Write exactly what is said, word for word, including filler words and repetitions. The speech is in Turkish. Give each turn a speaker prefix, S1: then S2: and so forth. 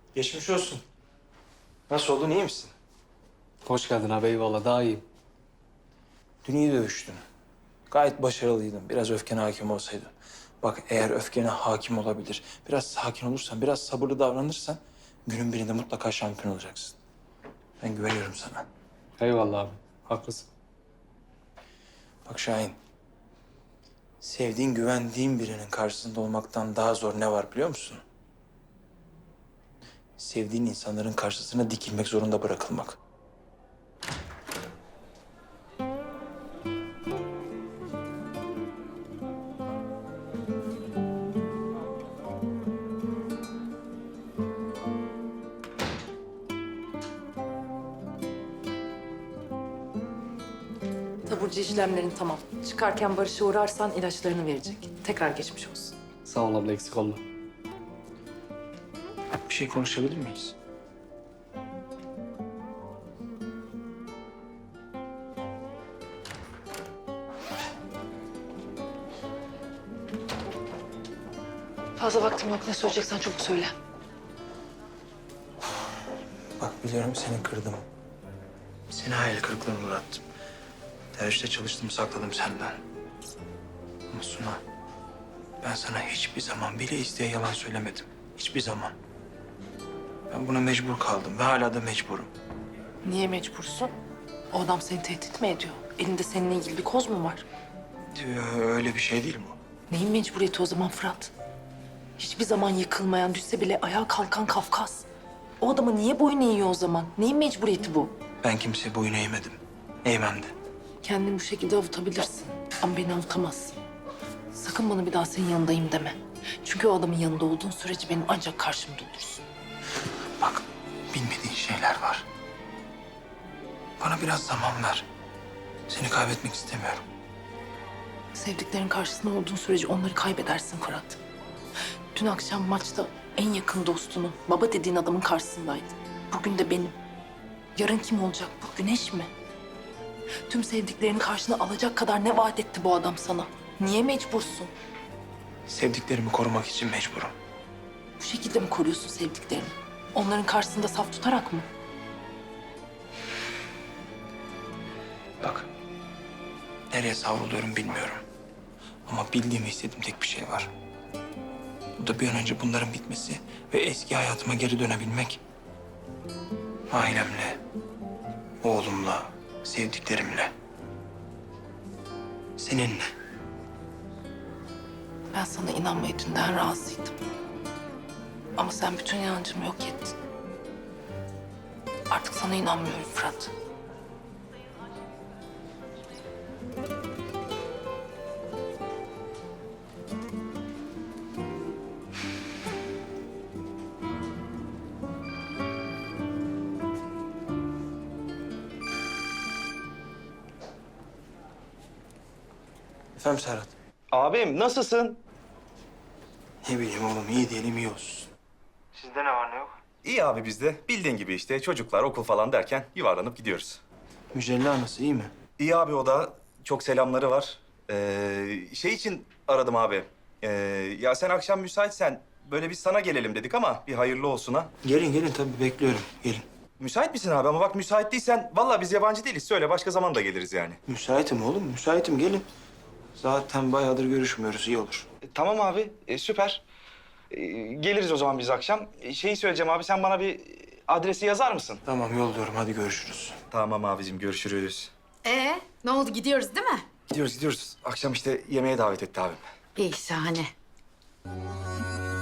S1: Geçmiş olsun. Nasıl oldun, iyi misin?
S2: Hoş geldin abi, eyvallah. Daha iyiyim.
S1: Dün iyi dövüştün. Gayet başarılıydın. Biraz öfkene hakim olsaydın. Bak eğer öfkene hakim olabilir, biraz sakin olursan, biraz sabırlı davranırsan... ...günün birinde mutlaka şampiyon olacaksın. Ben güveniyorum sana.
S2: Eyvallah abi, haklısın.
S1: Bak Şahin, sevdiğin, güvendiğin birinin karşısında olmaktan daha zor ne var biliyor musun? Sevdiğin insanların karşısına dikilmek zorunda bırakılmak.
S3: Taburcu işlemlerin tamam. Çıkarken Barış'a uğrarsan ilaçlarını verecek. Tekrar geçmiş olsun.
S2: Sağ ol abla, eksik olma.
S1: Bir şey konuşabilir miyiz?
S3: Fazla vaktim yok. Ne söyleyeceksen çabuk söyle.
S1: Bak biliyorum seni kırdım. Seni hayal kırıklığına uğrattım. Tercihte çalıştım, sakladım senden. Ama Suna, ben sana hiçbir zaman bile isteye yalan söylemedim. Hiçbir zaman. Ben buna mecbur kaldım ve hala da mecburum.
S3: Niye mecbursun? O adam seni tehdit mi ediyor? Elinde seninle ilgili bir koz mu var?
S1: Ee, Öyle bir şey değil bu.
S3: Neyin mecburiyeti o zaman Fırat? Hiçbir zaman yıkılmayan, düşse bile ayağa kalkan Kafkas. O adamı niye boyun eğiyor o zaman? Neyin mecburiyeti bu?
S1: Ben kimseye boyun eğmedim. Eğmem de.
S3: Kendini bu şekilde avutabilirsin. Ama beni avutamazsın. Sakın bana bir daha senin yanındayım deme. Çünkü o adamın yanında olduğun sürece benim ancak karşımda olursun.
S1: Bak, bilmediğin şeyler var. Bana biraz zaman ver. Seni kaybetmek istemiyorum.
S3: Sevdiklerin karşısında olduğun sürece onları kaybedersin Fırat. Dün akşam maçta en yakın dostunun, baba dediğin adamın karşısındaydın. Bugün de benim. Yarın kim olacak bu? Güneş mi? Tüm sevdiklerini karşına alacak kadar ne vaat etti bu adam sana? Niye mecbursun?
S1: Sevdiklerimi korumak için mecburum.
S3: Bu şekilde mi koruyorsun sevdiklerini? Onların karşısında saf tutarak mı?
S1: Bak, nereye savruluyorum bilmiyorum. Ama bildiğim ve istediğim tek bir şey var. Bu da bir an önce bunların bitmesi ve eski hayatıma geri dönebilmek. Ailemle, oğlumla, sevdiklerimle, seninle.
S3: Ben sana inanmaya dünden razıydım. Ama sen bütün inancımı yok ettin. Artık sana inanmıyorum Fırat.
S1: Efendim Serhat?
S4: Abim nasılsın?
S1: Ne bileyim oğlum, iyi diyelim iyi olsun. Sizde ne var ne yok?
S4: İyi abi bizde. Bildiğin gibi işte çocuklar, okul falan derken yuvarlanıp gidiyoruz.
S1: Mücella nasıl, iyi mi?
S4: İyi abi o da. Çok selamları var. Ee, şey için aradım abi. Ee, ya sen akşam müsaitsen böyle biz sana gelelim dedik ama bir hayırlı olsun ha.
S1: Gelin gelin, tabii bekliyorum, gelin.
S4: Müsait misin abi? Ama bak müsait değilsen vallahi biz yabancı değiliz. Söyle başka zaman da geliriz yani.
S1: Müsaitim oğlum, müsaitim, gelin. Zaten bayağıdır görüşmüyoruz, iyi olur.
S4: E, tamam abi e, süper. E, geliriz o zaman biz akşam. E, şeyi söyleyeceğim abi sen bana bir adresi yazar mısın?
S1: Tamam, yolluyorum, hadi görüşürüz.
S4: Tamam abicim görüşürüz.
S5: Ee, ne oldu? Gidiyoruz değil mi?
S4: Gidiyoruz gidiyoruz. Akşam işte yemeğe davet etti abim.
S5: İyi, şahane.